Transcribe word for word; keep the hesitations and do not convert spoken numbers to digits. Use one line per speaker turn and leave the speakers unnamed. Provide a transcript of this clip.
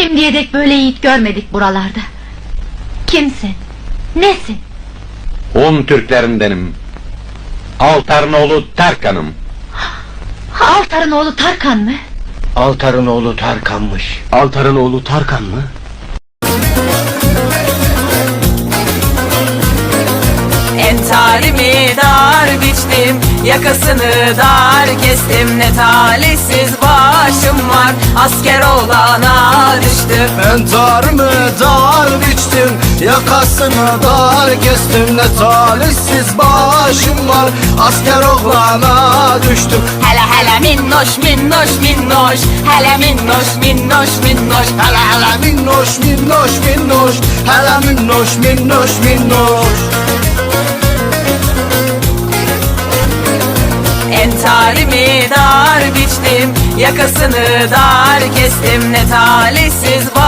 Şimdiye dek böyle yiğit görmedik buralarda. Kimsin? Nesin?
Hun Türklerindenim. Altar'ın oğlu Tarkan'ım.
Altar'ın oğlu Tarkan mı?
Altar'ın oğlu Tarkan'mış.
Altar'ın oğlu Tarkan mı?
Entarimi dar biçtim, yakasını dar kestim. Ne talihsiz başım var, asker olana düştüm.
Entarımı dar biçtim, yakasını dar kestim. Ne talihsiz başım var, asker oğlana düştüm.
Hele hele minnoş minnoş minnoş, hele minnoş minnoş minnoş.
Hele hele minnoş minnoş minnoş, hele minnoş minnoş minnoş.
Entarimi dar biçtim, yakasını dar kestim. Ne talihsiz